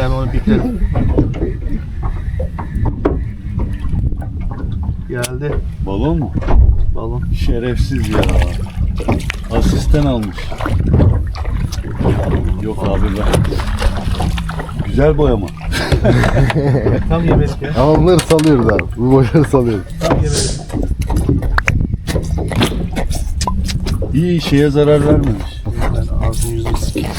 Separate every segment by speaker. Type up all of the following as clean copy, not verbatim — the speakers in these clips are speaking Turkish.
Speaker 1: Ben onu biplerim. Geldi.
Speaker 2: Balon mu?
Speaker 1: Balon.
Speaker 2: Şerefsiz ya. Asistan almış. Yok abi ben. Güzel boyama.
Speaker 1: Tam yemedik ya.
Speaker 3: Ama bunları salıyoruz abi. Bu boyları salıyoruz.
Speaker 1: Tam yemedik.
Speaker 2: İyi, şeye zarar vermemiş.
Speaker 1: Ben ağzını yüzünü sikeyim.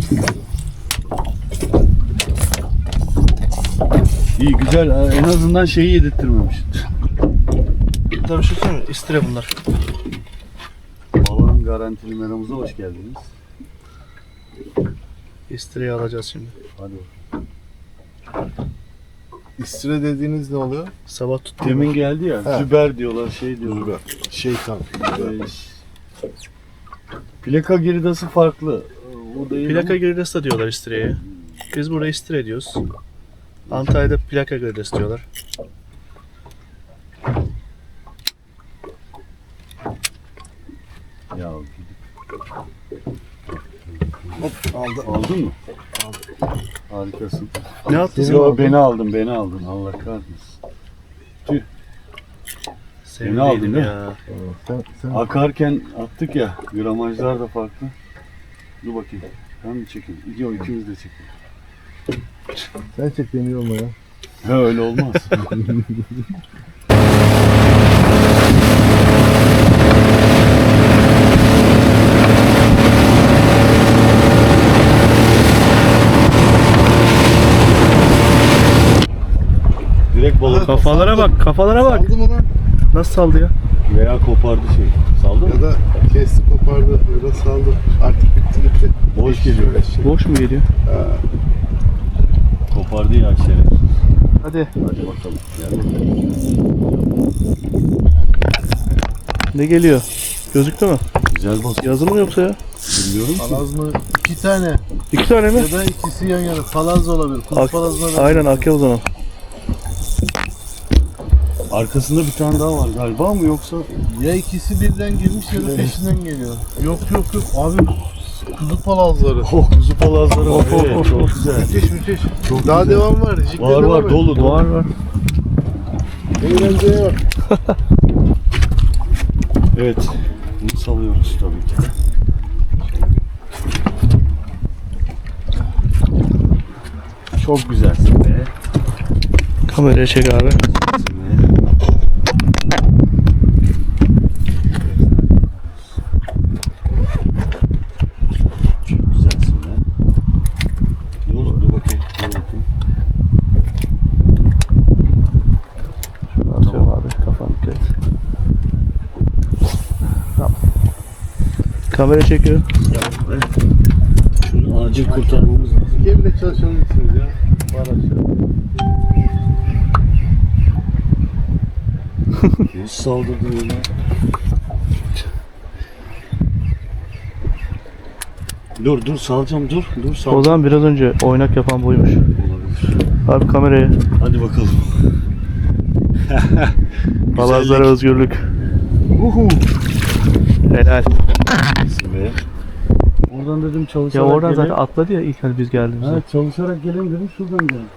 Speaker 2: İyi, güzel. En azından şeyi yedirttirmemiş.
Speaker 1: Tabii şu söyleyeyim mi? İstire bunlar.
Speaker 2: Balon garantili meramıza hoş geldiniz.
Speaker 1: İstireyi alacağız şimdi.
Speaker 2: Hadi.
Speaker 3: İstire dediğiniz ne oluyor?
Speaker 1: Sabah tuttum.
Speaker 2: Demin geldi ya.
Speaker 3: He.
Speaker 2: Züber diyorlar, şey diyorlar.
Speaker 3: Züber. Şeytan.
Speaker 2: Plaka girdası farklı. O değil
Speaker 1: Plaka
Speaker 2: ama-
Speaker 1: gridesi de diyorlar istireye. Biz burada istire diyoruz. Antalya'da plaka gridesi diyorlar.
Speaker 2: Ya
Speaker 3: Hop aldı.
Speaker 2: aldın mı? Aldım. Harikasın.
Speaker 1: Ne attın sen?
Speaker 2: Yo, beni aldın. Allah kahretsin. Ne aldın,
Speaker 1: Sevdiydim
Speaker 2: değil
Speaker 1: ya.
Speaker 3: Sen
Speaker 2: Akarken attık ya. Gramajlar da farklı. Dur bakayım. Ben mi çekeyim? Yok, ikimiz de çekelim.
Speaker 3: sen çek beni olma ya.
Speaker 2: Ha, öyle olmaz. Direkt balık
Speaker 1: Kafalara bak, kafalara bak.
Speaker 3: Aldı mı lan?
Speaker 1: Nasıl saldı ya?
Speaker 2: veya kopardı şey. Saldı mı?
Speaker 3: Ya da kesti kopardı ya da saldı. Artık bitti.
Speaker 2: Boş geliyor.
Speaker 1: Boş mu geliyor?
Speaker 2: Kopardı ya şeref.
Speaker 1: Hadi.
Speaker 2: Hadi bakalım. Gel bakalım.
Speaker 1: Ne geliyor? Gözüktü mü?
Speaker 2: Güzel balık.
Speaker 1: Yazı mı yoksa ya?
Speaker 2: Bilmiyorum ki.
Speaker 3: Palaz mı? 2 tane.
Speaker 1: 2 tane mi?
Speaker 3: Ya da ikisi yan yana. Palaz da olabilir. Kuş palazına da.
Speaker 1: Aynen akya o zaman.
Speaker 2: Arkasında bir tane daha var galiba mı yoksa?
Speaker 3: Ya ikisi birden girmiş ya da peşinden geliyor. Yok. Abi kuzu palazları.
Speaker 2: Oh, kuzu palazları var.
Speaker 1: Of, of,
Speaker 2: Evet,
Speaker 1: of,
Speaker 2: çok
Speaker 1: of.
Speaker 2: güzel.
Speaker 3: Müthiş.
Speaker 2: Çok
Speaker 3: Daha
Speaker 2: güzel.
Speaker 3: devam var. Jik'te
Speaker 2: Var
Speaker 3: devam
Speaker 2: var
Speaker 3: et.
Speaker 2: dolu.
Speaker 1: Var.
Speaker 3: Eğlenceye bak.
Speaker 2: Evet. Bunu salıyoruz tabii ki de. Çok güzelsin be.
Speaker 1: Kameraya çek abi.
Speaker 2: Güzelsin be. Çok güzelsin be. Dur bakayım.
Speaker 1: Şunu atıyorum abi. Kafanı dikkat et. Tamam. Kamera çekiyor.
Speaker 2: Şunu acil kurtarmamız lazım.
Speaker 3: Gemide çalışabilirsiniz ya. Var aşağı.
Speaker 2: Nasıl saldırdın öyle? Dur salacağım dur
Speaker 1: O
Speaker 2: salacağım.
Speaker 1: zaman biraz önce oynak yapan buymuş.
Speaker 2: Olabilir.
Speaker 1: Abi kameraya.
Speaker 2: Hadi bakalım.
Speaker 1: Palazlara özgürlük.
Speaker 2: Uhu.
Speaker 1: Helal.
Speaker 2: Be. Oradan dedim
Speaker 1: Ya
Speaker 2: çalışarak
Speaker 1: oradan
Speaker 2: gelin.
Speaker 1: zaten atladı ya ilk hani biz geldiğimizde.
Speaker 2: Ha, çalışarak gelin dedim şuradan gelin.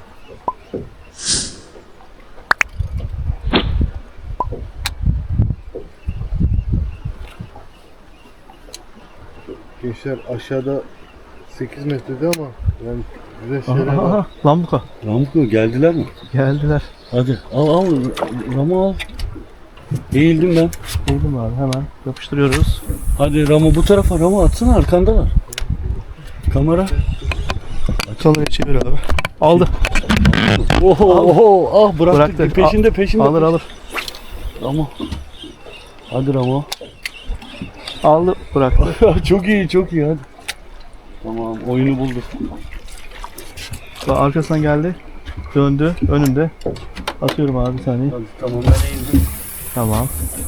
Speaker 3: Gençler aşağıda 8 metrede ama yani güzel şeyler var.
Speaker 1: Aha, lambuka.
Speaker 2: Ramko geldiler mi?
Speaker 1: Geldiler.
Speaker 2: Hadi al Ramo al. Eğildim ben.
Speaker 1: Buldum abi hemen. Yapıştırıyoruz.
Speaker 2: Hadi Ramo bu tarafa, Ramo atsana, arkandalar. Kamera.
Speaker 1: Kamerayı çevir abi. Aldı.
Speaker 2: Oho ah bıraktık.
Speaker 1: Bıraktı.
Speaker 2: Peşinde.
Speaker 1: Alır.
Speaker 2: Ramo. Hadi Ramo.
Speaker 1: Aldı bıraktı.
Speaker 2: çok iyi hadi. Tamam oyunu bulduk.
Speaker 1: Bak arkasından geldi. Döndü. Önünde. Atıyorum abi bir saniye.
Speaker 2: Hadi tamam ben eğildim.
Speaker 1: Tamam.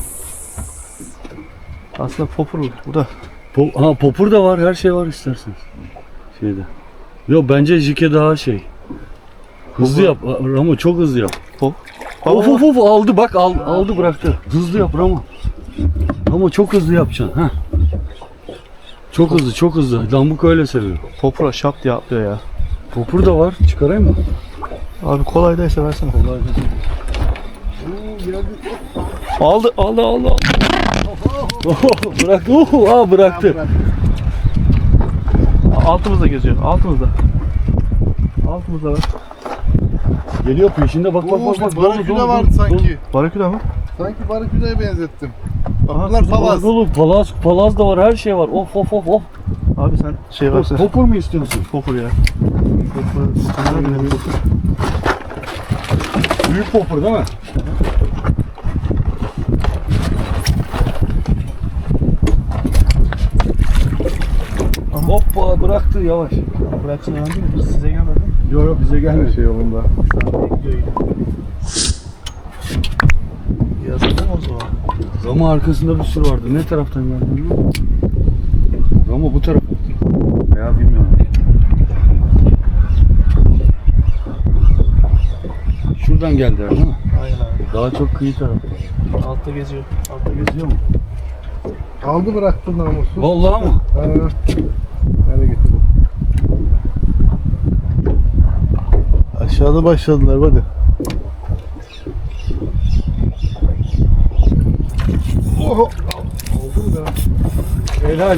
Speaker 1: Aslında popurlu. Bu da.
Speaker 2: Popur da var, her şey var isterseniz. Şeyde. Yok bence Jike daha şey. Hızlı yap Ramo, çok hızlı yap.
Speaker 1: Pop.
Speaker 2: Of aldı bak aldı bıraktı. Hızlı yap Ramo. Ramo çok hızlı yapacaksın. Ha. Çok hızlı. Lambuk öyle seviyor.
Speaker 1: Popura şap diye atlıyor ya.
Speaker 2: Popur da var. Çıkarayım mı?
Speaker 1: Abi kolaydaysa versene.
Speaker 3: Oo, geldi.
Speaker 1: Aldı.
Speaker 2: Bıraktı. Bıraktı.
Speaker 1: Altımızda geziyor. Altımızda var.
Speaker 2: Geliyor peşinde bak.
Speaker 3: Oo, baraküda vardı sanki.
Speaker 1: Baraküda mı?
Speaker 3: Sanki baraküdaya benzettim. Bak
Speaker 1: Aha,
Speaker 3: bunlar palaz.
Speaker 2: Oğlum palaz da var, her şey var. Of.
Speaker 1: Abi sen şey varsa.
Speaker 2: Popur mu istiyorsun?
Speaker 1: Popur ya. Popur.
Speaker 2: Büyük popur değil mi? Hoppa bıraktı yavaş.
Speaker 1: Bıraksın önemli mi? Size gelmedi mi?
Speaker 2: Yok bize gelmedi.
Speaker 3: Şey yolunda.
Speaker 1: Yazıldı mı o zaman?
Speaker 2: Ramo arkasında bir sürü vardı. Ne taraftan geldi bilmiyorum. Ramo bu tarafa. Veya bilmiyorum. Şuradan geldiler değil mi?
Speaker 1: Aynen abi.
Speaker 2: Daha çok kıyı tarafta.
Speaker 1: Altta geziyor.
Speaker 2: Geziyor mu?
Speaker 3: Aldı bıraktı namusu.
Speaker 2: Vallahi mı?
Speaker 3: Nereye getirdim? Aşağıda başladılar hadi. Oho! Oldu mu da?
Speaker 2: Helal.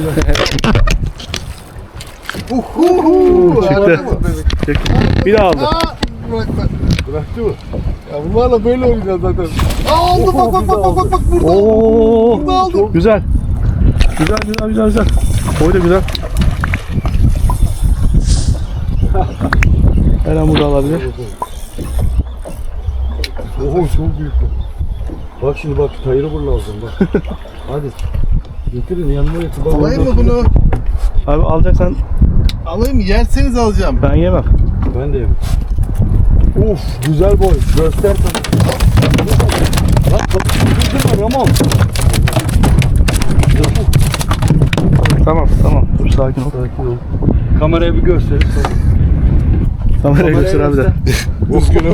Speaker 3: Uhu!
Speaker 1: Çıktı. Bir daha aldı.
Speaker 3: Bıraktı mı? Ya bunlarla böyle oynayacağız zaten. Aa, aldı bak burada.
Speaker 1: Oo.
Speaker 3: Burada aldı.
Speaker 1: Güzel. Güzel. Boy da güzel. Her an burada alabilir.
Speaker 3: Oho çok büyük bu.
Speaker 2: Bak şimdi tayırı vur lazım bak. Hadi. Getirin yanıma getir.
Speaker 3: Alayım mı bunu?
Speaker 1: Abi alacaksan
Speaker 3: Alayım mı? Yerseniz alacağım.
Speaker 1: ben yemem.
Speaker 2: Ben de yemem. Of güzel boy. Göster tabii. Lan kapıştırdın mı Ramon?
Speaker 1: Tamam. Dur sakin ol.
Speaker 2: Sakin ol. Kameraya bir göster.
Speaker 1: Kameraya göster abi de.
Speaker 3: Üzgünüm.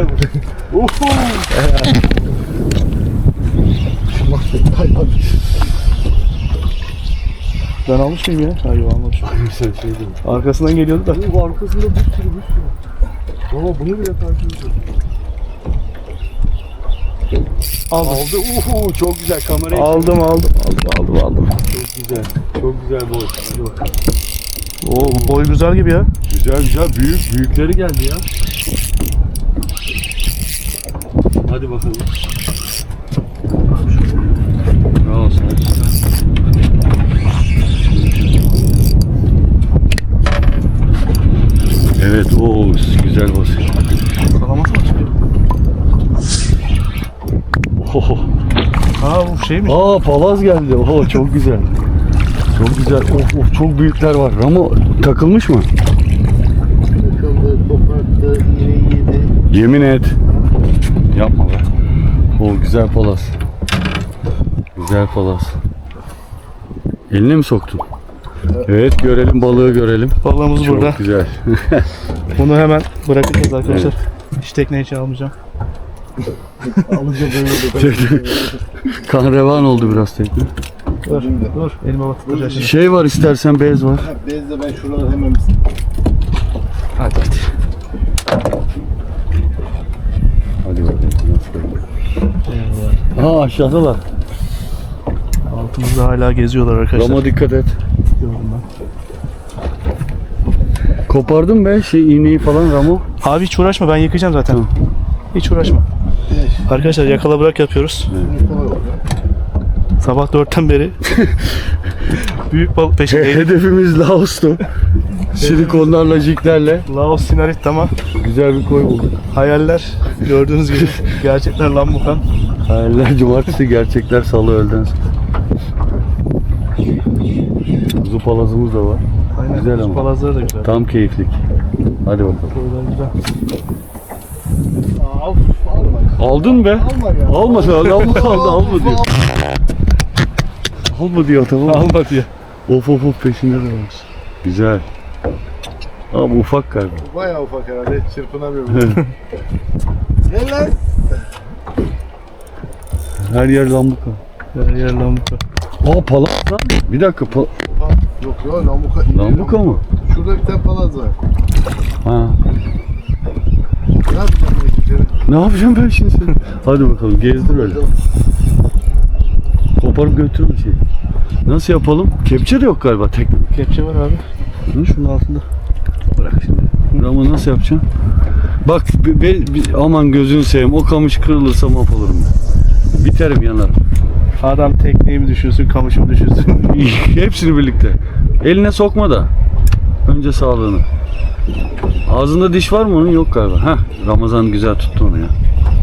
Speaker 1: Ben almış mıyım ya? Hayır almamışım.
Speaker 2: Sen şey değil.
Speaker 1: Arkasından geliyordu da.
Speaker 2: Bu arkasında bir sürü. Ama bunu bile takip ediyor.
Speaker 1: Aldım.
Speaker 2: Aldı. Çok güzel kamerayı.
Speaker 1: Aldım.
Speaker 2: Çok güzel. Çok güzel boy. Hadi bakalım.
Speaker 1: Oo bu boy güzel gibi ya.
Speaker 2: Güzel. Büyükleri geldi ya. Hadi bakalım. Bravo sana. Evet, güzel basıyor.
Speaker 1: Kalaması mı çıkıyor? Aa bu şey mi?
Speaker 2: Palaz geldi. Çok güzel. Çok güzel. Çok büyükler var. Ramo takılmış mı?
Speaker 3: Takıldı, koparttı, iğne yedi.
Speaker 2: Yemin et. Yapma be. Güzel palaz. Güzel palaz. Eline mi soktun? Evet, görelim balığı görelim.
Speaker 1: Balığımız
Speaker 2: Çok
Speaker 1: burada.
Speaker 2: güzel.
Speaker 1: Bunu hemen bırakacağız arkadaşlar. Hiç tekne için almayacağım.
Speaker 3: Alınca böyle de.
Speaker 2: Kan revan oldu biraz tekne.
Speaker 1: Dur. Elime batıracağız şimdi.
Speaker 2: Şey var istersen bez var.
Speaker 3: Bezle ben şuraları hemen
Speaker 1: Hadi.
Speaker 2: Hadi bakalım. Aşağıdalar.
Speaker 1: Altımızda hala geziyorlar arkadaşlar.
Speaker 2: Ramo dikkat et.
Speaker 1: Gördüm ben.
Speaker 2: Kopardın be iğneyi falan Ramo.
Speaker 1: Abi hiç uğraşma, ben yıkayacağım zaten.
Speaker 2: Tamam.
Speaker 1: Hiç uğraşma. Arkadaşlar yakala bırak yapıyoruz. Sabah 4'ten beri büyük balık peşindeyiz.
Speaker 2: Hedefimiz Laos'tu. Silikonlarla, jiglerle.
Speaker 1: Laos Sinarit ama
Speaker 2: Güzel bir koy bulduk.
Speaker 1: hayaller gördüğünüz gibi gerçekler lambukan.
Speaker 2: Hayaller cumartesi, gerçekler salı öğleden sonra. Kuzu palazımız da var.
Speaker 1: Aynen.
Speaker 2: Güzel ama.
Speaker 1: Palazları da güzel.
Speaker 2: Tam keyiflik. Hadi bakalım.
Speaker 1: Boylar güzel.
Speaker 2: Aldın be.
Speaker 3: Alma ya.
Speaker 2: Alma diyor. Alma diyor tamam.
Speaker 1: Alma diyor.
Speaker 2: Of peşinde de var. Güzel. Ama ufak galiba.
Speaker 3: Bayağı ufak herhalde. Çırpınamıyor. Gel lan.
Speaker 2: Her yer lambuka.
Speaker 1: Her yer lambuka.
Speaker 2: Palaz lan. Bir dakika
Speaker 3: Yok ya lambuka.
Speaker 2: lambuka mı?
Speaker 3: Şurada bir tane palaz var.
Speaker 2: Ha.
Speaker 3: Ne yapacağım ben geceleri?
Speaker 2: Ne yapacağım ben şimdi seni? Hadi bakalım gezdir öyle. Koparıp götürme şey. Nasıl yapalım? Kepçe de yok galiba tekne.
Speaker 1: Kepçe var abi.
Speaker 2: Hı?
Speaker 1: Şunun altında.
Speaker 2: Bırak şimdi. Ama nasıl yapacağım? Bak aman gözünü seveyim, o kamış kırılırsa mahvolurum ben. Biterim, yanarım.
Speaker 1: Adam tekneyi mi düşürsün, kamışı mı düşürsün?
Speaker 2: Hepsini birlikte. Eline sokma da. Önce sağlığını. Ağzında diş var mı onun? Yok galiba. Heh, Ramazan güzel tuttu onu ya.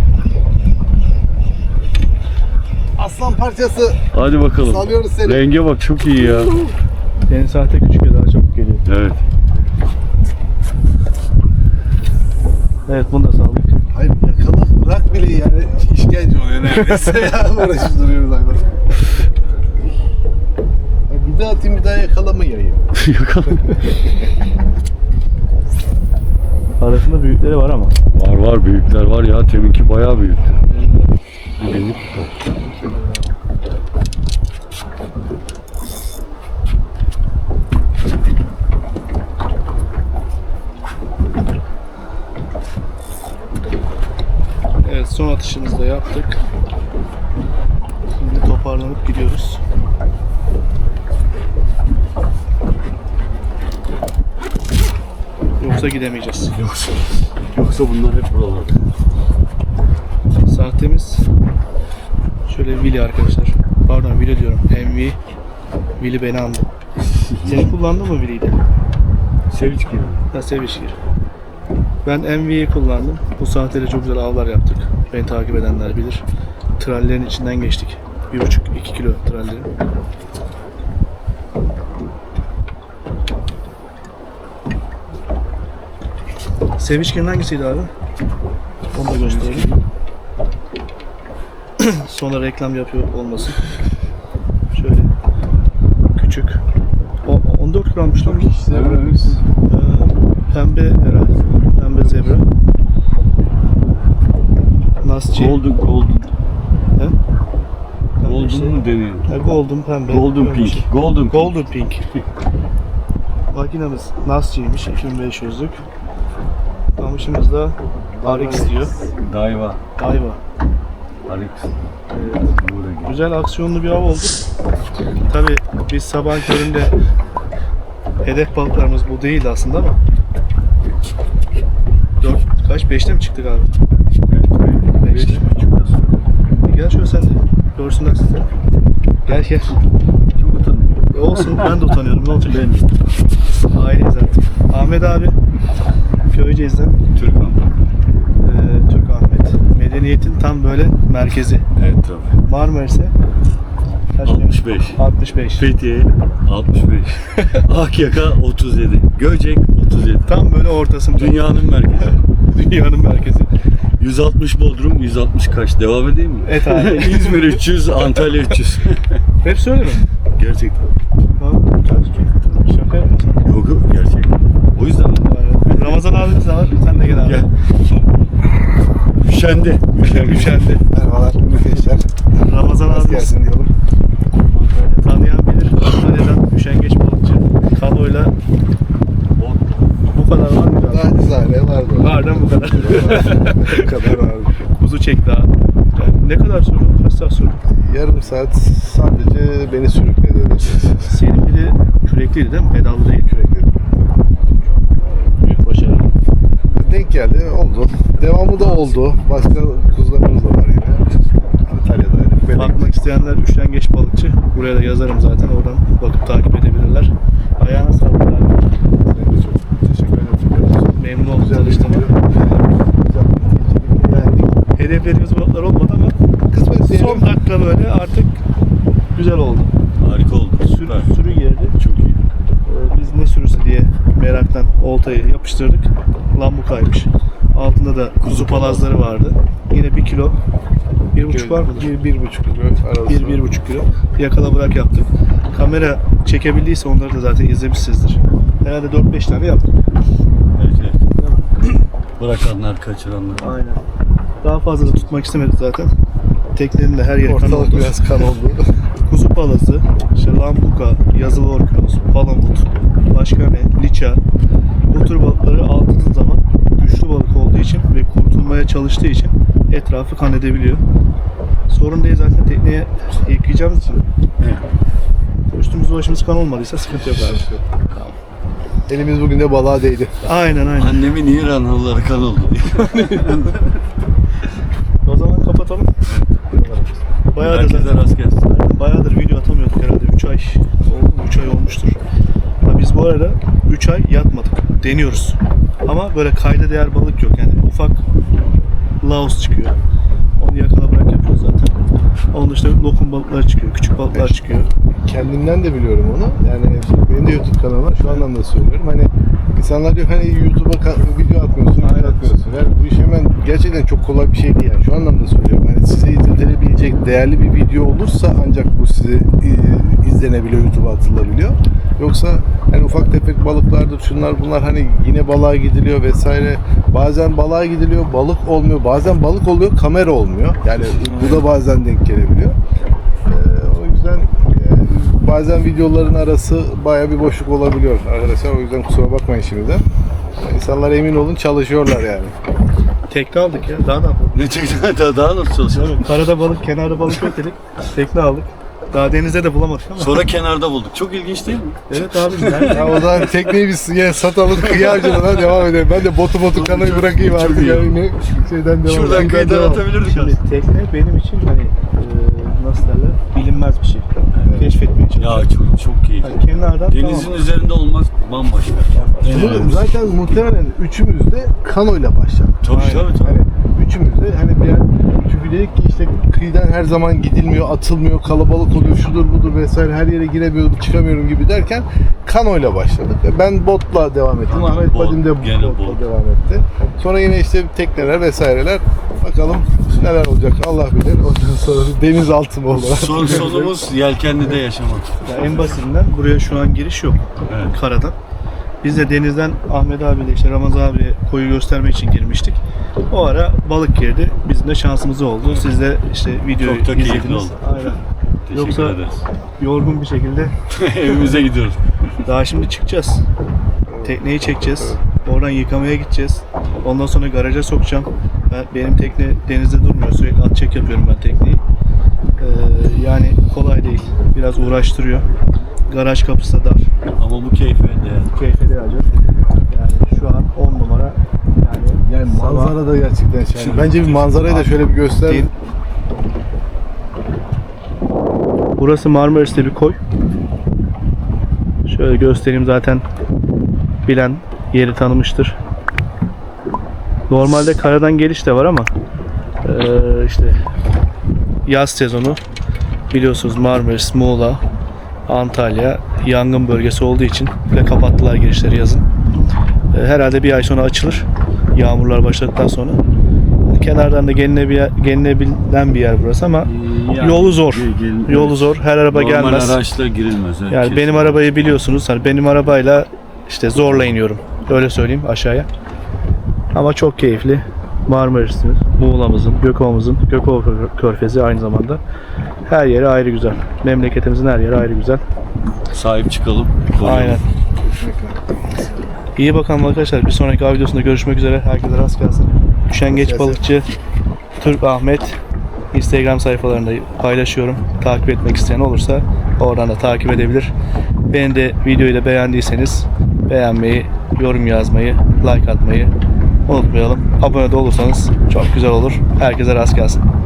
Speaker 3: Aslan parçası.
Speaker 2: Hadi bakalım.
Speaker 3: Salıyoruz seni.
Speaker 2: Renge bak, çok iyi ya.
Speaker 1: Senin saate küçük ya, daha çabuk geliyor.
Speaker 2: Evet.
Speaker 1: Evet, bunu da saldık.
Speaker 3: Hayır yakala bırak bile yani işkence oluyor neredeyse ya. Uğraşıp duruyoruz hayvan. Ya bir daha atayım bir daha yakalamayayım.
Speaker 2: Yakalım.
Speaker 1: Arasında büyükleri var ama.
Speaker 2: Var büyükler var ya, teminki bayağı büyük. Günlük.
Speaker 1: Evet, son atışımızı da yaptık. Şimdi toparlanıp gidiyoruz. Yoksa gidemeyeceğiz.
Speaker 2: Yoksa bunlar hep buralarda.
Speaker 1: Sahtemiz şöyle Willy arkadaşlar. Pardon, Willy diyorum. MV. Willy beni andı. Seni kullandın mı Willy'yi de?
Speaker 2: Sevinç gibi.
Speaker 1: Ha, Sevişgir. Ben MV'yi kullandım. Bu saatte çok güzel avlar yaptık. Beni takip edenler bilir. Trallerin içinden geçtik. 1,5-2 kilo trallerin. Sevişgir'in hangisiydi abi? Onu da gösterelim. Sonra reklam yapıyor olmasın. Şöyle küçük. 14 grammış lan bu. Pembe herhalde. Pembe zebra. Nasçı.
Speaker 2: Golden.
Speaker 1: He?
Speaker 2: Golden mu deniyor?
Speaker 1: Golden pembe.
Speaker 2: Golden
Speaker 1: Öyle
Speaker 2: pink.
Speaker 1: şey.
Speaker 2: Golden pink.
Speaker 1: Golden pink. Makinamız Nasçı'ymış. 2500'lük. Kamışımız da RX diyor.
Speaker 2: Daiwa.
Speaker 1: Daiwa.
Speaker 2: RX.
Speaker 1: Güzel aksiyonlu bir av oldu. Tabi biz sabah köründe hedef balıklarımız bu değildi aslında ama 5'te mi çıktık abi?
Speaker 2: Evet.
Speaker 1: 5'te. Gel şöyle sen de görsünler sizi. Gel.
Speaker 2: Çok utanıyorum.
Speaker 1: Olsun, ben de utanıyorum. Ne olacak? Aileyiz artık. Ahmet abi Köyceğiz'den. Türk Ahmet. Medeniyetin tam böyle merkezi.
Speaker 2: Evet tabii.
Speaker 1: Marmaris'e kaç
Speaker 2: 65.
Speaker 1: 65.
Speaker 2: Fethiye 65. Akyaka 37. Göcek 37.
Speaker 1: Tam böyle ortasında.
Speaker 2: Dünyanın merkezi.
Speaker 1: Dünyanın merkezi.
Speaker 2: 160 Bodrum, 160 Kaş. Devam edeyim mi?
Speaker 1: Et abi.
Speaker 2: İzmir 300, Antalya 300.
Speaker 1: Hepsi öyle mi?
Speaker 2: Gerçekten.
Speaker 1: Şaka yapmasın.
Speaker 2: Yok gerçekten. O yüzden mi?
Speaker 1: Ramazan abimiz de var. Sen de gel abi.
Speaker 2: Gel. Üşendi.
Speaker 1: Üşendi.
Speaker 3: Merhabalar arkadaşlar.
Speaker 1: Ramazan
Speaker 3: Nasıl
Speaker 1: abimiz
Speaker 3: gelsin diyelim.
Speaker 1: tanıyan bilir. Antalya'dan üşengeç balıkçı. Kanoyla bu kadar var mı?
Speaker 3: Daha cizane vardı.
Speaker 1: Var değil mi bu kadar?
Speaker 3: Bu kadar vardı.
Speaker 1: Kuzu çekti abi. Yani ne kadar sürdü? Kaç saat sürdü?
Speaker 3: Yarım saat sadece beni sürükledi.
Speaker 1: Senin bir de kürekliydi değil mi? Pedallı değil.
Speaker 3: Sürekli.
Speaker 1: Büyük başarı.
Speaker 3: Denk geldi oldu. Devamı da oldu. Başka kuzularımız da var yine. Antalya'daydık.
Speaker 1: Bakmak isteyenler üşengeç balıkçı. Buraya da yazarım zaten. Oradan bakıp takip edebilirler. Ayağına sağlık abi.
Speaker 3: Ben de çok teşekkür ederim.
Speaker 1: Memnun oldum
Speaker 3: Güzel
Speaker 1: tanıştığıma.
Speaker 3: Beğendik.
Speaker 1: Hedeflerimiz balıklar olmadı ama
Speaker 3: Kısmet diyelim.
Speaker 1: son dakika böyle artık güzel oldu.
Speaker 2: Harika oldu. Süper.
Speaker 1: Sürü geldi.
Speaker 2: Çok iyi.
Speaker 1: Biz ne sürüsü diye meraktan oltayı yapıştırdık. Lambukaymış. Altında da kuzu palazları vardı. Yine 1 kilo, 1,5 var mıdır?
Speaker 3: 1,5 kilo arası.
Speaker 1: 1-1,5 kilo. Yakala bırak yaptık. Kamera çekebildiyse onları da zaten izlemişsinizdir. Herhalde 4-5 tane yaptık.
Speaker 2: Evet. Bırakanlar, kaçıranlar.
Speaker 1: Aynen. Daha fazla da tutmak istemedik zaten. Teknenin de her yeri kan
Speaker 3: Ortalık
Speaker 1: oldu.
Speaker 3: biraz kan oldu.
Speaker 1: Kuzu palazı, işte lambuka, yazılı orkinos, palamut, başka ne, liça, Bu tür balıkları aldığınız zaman güçlü balık olduğu için ve kurtulmaya çalıştığı için etrafı kan edebiliyor. Sorun değil, zaten tekneye yıkayacağımız için.
Speaker 2: Evet.
Speaker 1: Üstümüz başımız kan olmadıysa sıkıntı yok abi.
Speaker 3: Elimiz bugün de balığa değdi.
Speaker 1: Aynen.
Speaker 2: Annemin İranlıları kan oldu diye.
Speaker 1: O zaman kapatalım. Bayağıdır
Speaker 2: Herkese
Speaker 1: zaten.
Speaker 2: rast gelsin.
Speaker 1: Bayağıdır video atamıyorduk herhalde. 3 ay oldu mu? 3 ay olmuştur. Ha, biz bu arada 3 ay yatmadık. Deniyoruz. Ama böyle kayda değer balık yok. Yani ufak laos çıkıyor. Onu yakala bırak yapıyoruz zaten. Onun dışında lokum balıklar çıkıyor. Küçük balıklar çıkıyor.
Speaker 3: Kendimden de biliyorum onu. Yani benim de YouTube kanalım var. Şu anlamda söylüyorum. Hani insanlar diyor hani YouTube'a video atmıyorsun, video atmıyorsun. Yani bu iş hemen gerçekten çok kolay bir şey değil yani. Şu anlamda söylüyorum. Hani size izletilebilecek değerli bir video olursa ancak bu size izlenebiliyor, YouTube'a atılabiliyor. Yoksa hani ufak tefek balıklardır, şunlar bunlar, hani yine balığa gidiliyor vesaire. Bazen balığa gidiliyor, balık olmuyor. Bazen balık oluyor, kamera olmuyor. Yani bu da bazen denk gelebiliyor. O yüzden bazen videoların arası bayağı bir boşluk olabiliyor arkadaşlar. O yüzden kusura bakmayın şimdiden. İnsanlar emin olun çalışıyorlar yani.
Speaker 1: Tekne aldık ya. Daha ne yapalım?
Speaker 2: Ne çıktı? Daha nasıl çalışıyor?
Speaker 1: Tabii, karada balık, kenarda balık yok dedik. Tekne aldık. Daha denizde de bulamadık ama.
Speaker 2: Sonra kenarda bulduk. Çok ilginç değil mi?
Speaker 1: Evet abi. Nerede?
Speaker 3: Ya o zaman tekneyi biz yine satalım, kıyavcılığına devam edelim. Ben de botu kanayı bırakayım artık.
Speaker 2: iyi.
Speaker 3: Yani şeyden devam.
Speaker 2: Şuradan kıyıdan
Speaker 3: devam.
Speaker 2: atabilirdik
Speaker 1: Şimdi
Speaker 2: aslında.
Speaker 1: tekne benim için hani nasıl derler, bilinmez bir şey. Keşfetmeye çalışıyorum.
Speaker 2: Ya çok keyifli.
Speaker 1: Hani kenardan
Speaker 2: Denizin
Speaker 1: tamam.
Speaker 2: üzerinde olmak bambaşka.
Speaker 3: Bunu zaten muhtemelen üçümüz de kanoyla başladık.
Speaker 2: Tabii tabii.
Speaker 3: Hani üçümüz de hani çünkü dedik ki işte kıyıdan her zaman gidilmiyor, atılmıyor, kalabalık oluyor, şudur budur vesaire, her yere giremiyorum, çıkamıyorum gibi derken kanoyla başladık. Ben botla devam ettim.
Speaker 2: Tamam,
Speaker 3: Ahmet
Speaker 2: bot,
Speaker 3: Badim de
Speaker 2: gene
Speaker 3: botla
Speaker 2: bot.
Speaker 3: devam etti. Sonra yine işte tekneler vesaireler. Bakalım neler olacak Allah bilir. Ondan sonra denizaltı mı olur?
Speaker 2: Sonumuz yelkenlide yaşamak.
Speaker 1: Ya en basitinden buraya şu an giriş yok.
Speaker 2: Evet.
Speaker 1: Karadan. Biz de denizden Ahmet abiyle işte Ramazan abiye koyu göstermek için girmiştik. O ara balık girdi. Bizim de şansımız oldu. Siz de işte videoyu
Speaker 2: Çok da keyifli
Speaker 1: izlediniz.
Speaker 2: oldu.
Speaker 1: Aynen.
Speaker 2: Teşekkür
Speaker 1: Yoksa-
Speaker 2: ederiz.
Speaker 1: Yorgun bir şekilde
Speaker 2: Evimize gidiyoruz.
Speaker 1: daha şimdi çıkacağız. Tekneyi çekeceğiz. Oradan yıkamaya gideceğiz. Ondan sonra garaja sokacağım. Benim tekne denizde durmuyor. Sürekli at çek yapıyorum ben tekneyi. Yani kolay değil. Biraz uğraştırıyor. Garaj kapısı da dar.
Speaker 2: Ama bu keyfe değer.
Speaker 1: Keyfe değecek. Yani şu an 10 numara.
Speaker 3: Yani
Speaker 1: sabah-
Speaker 3: manzara da gerçekten şahane. Bence bir manzarayı da şöyle bir göster.
Speaker 1: Burası Marmaris'te bir koy. Şöyle göstereyim, zaten bilen yeri tanımıştır. Normalde karadan geliş de var ama işte yaz sezonu biliyorsunuz Marmaris, Muğla, Antalya yangın bölgesi olduğu için ve kapattılar girişleri yazın. Herhalde bir ay sonra açılır. Yağmurlar başladıktan sonra. Kenardan da gelinebilen bir yer burası ama yolu zor. Yolu zor. Her araba
Speaker 2: Normal
Speaker 1: gelmez.
Speaker 2: araçla girilmez. Evet,
Speaker 1: Yani benim arabayı biliyorsunuz. Hani benim arabayla işte zorla iniyorum. Öyle söyleyeyim aşağıya. Ama çok keyifli. Marmaris'imiz, Muğla'mızın, Gökova'mızın, Gökova Körfezi aynı zamanda. Her yeri ayrı güzel. Memleketimizin her yeri ayrı güzel.
Speaker 2: Sahip çıkalım. koruyalım.
Speaker 1: Aynen. İyi bakalım arkadaşlar. Bir sonraki av videosunda görüşmek üzere. Herkese rast gelsin. Üşengeç balıkçı Türk Ahmet Instagram sayfalarında paylaşıyorum. Takip etmek isteyen olursa oradan da takip edebilir. Beni de videoyu da beğendiyseniz beğenmeyi, yorum yazmayı, like atmayı unutmayalım. Abone de olursanız çok güzel olur. Herkese rast gelsin.